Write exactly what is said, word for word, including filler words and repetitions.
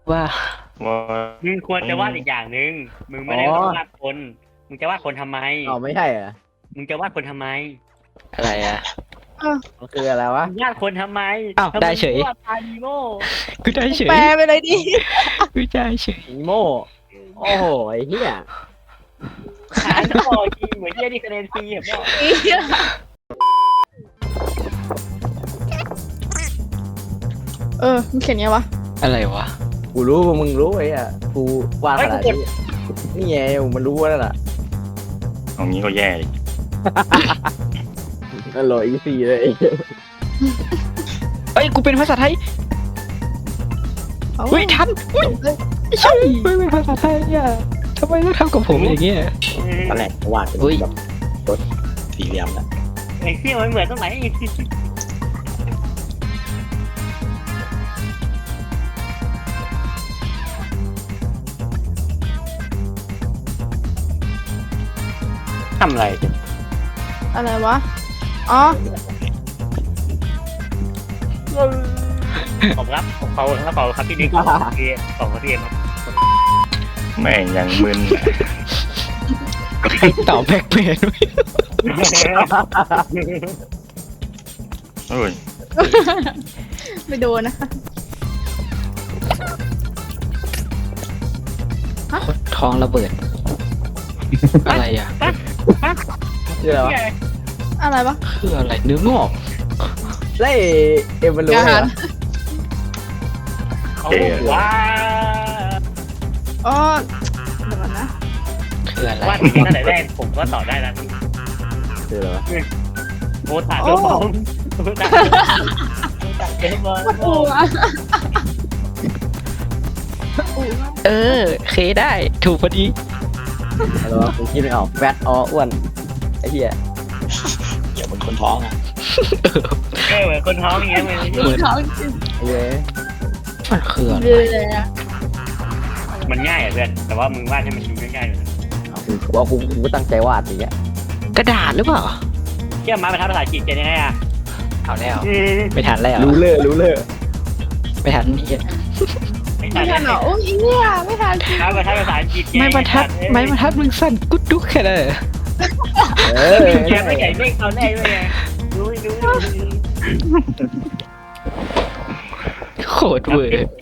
ว่าว่ามึงควรจะวาดอีกอย่างหนึ่งมึงไม่ได้วาดคนมึงจะวาดคนทำไมอ๋อไม่ใช่เหรอมึงจะวาดคนทำไมอะไรอ่ะมันคืออะไรวะมึงวาดคนทำไมอ้าวทำมได้เฉยมึงวาดพานิโมกูได้เฉยแปลไปเลยดิกูได้เฉยอีโม่โอ้โหไอ้เหี้ยหาจะบอกจริงเหมือนที่ได้คะแนนฟรีเห็นป่ะเออมึงเขียนไงวะอะไรวะกูรู้ว่ามึงรู้ไอ้อะกูวาดขนาดนี้นี่ไงมันรู้แล้วล่ะเอางี้ก็แย่อีกนั่นโหลอีซีเลยเอ้ยกูเป็นภาษาไทยเอ้าอุ้ยทันอุ้ยเอ้ยไม่ใช่ไม่เป็นภาษาไทยอ่ะทำไมต้องทำกับผมอย่างเงี้ยตอนแรกวาดเป็นอุ้ยแบบรถสี่เหลี่ยมนะไอ้ที่มันเหมือนตรงไหนทำอะไรอะไรวะ อ๋อขอบครับขอบคุณครับขอบคุณครับพี่นิกขอบคุณพี่ขอบคุณพี่ครับแม่งยังมึนตอบแบ็คเพนโอ้ยไม่โดนนะท้องระเบิด อะไรอ่ะคืออะไรวะอะไรวะคืออะไรเนื้องอกแล้วไอ้เอ็มมันรู้อาไงหารวะเอาว้าอ๋อเดี๋ยวก่อนนะคืออะไรวาดอย่างนี้ตั้งแต่แรกผมก็ตอบได้แล้วคืออะไรวะโมตาโดมองโมตาโดมองอูอ่ะอูอ่ะเออเคได้ถูกพอดีอะไรวะกูคิดไม่ออกแฟตอออ้วนไอ้เหี้ยอย่าเป็นคนท้องอ่ะเออเหมือนคนท้องอย่างเงี้ยเลยดูท้องจริงไอ้เหี้ยมันคืออะไรเลยอ่ะมันง่ายอ่ะเพื่อนแต่ว่ามึงวาดให้มันดูง่ายๆหน่อยเอากูกูเอากูกูก็ตั้งใจวาดอย่างเงี้ยกระดาษหรือเปล่าเชื่อมาไปทำภาษาอังกฤษจะยังไงอ่ะเอาแล้วไม่ทันแล้วรู้เลยรู้เลยไม่ทันนี่ไม่ไม่ทัทันนเหรอโอ้ยอีเนี่ยไม่ทันมาไปทำภาษาอังกฤษไม่บรรทัดไม่บรรทัดมึงสั้นกุ๊ดดุ๊กแค่นั้นเหรอเออแกไม่ใหญ่ไม่เอาแน่เลยไงรู้รู้โคตรเวอร์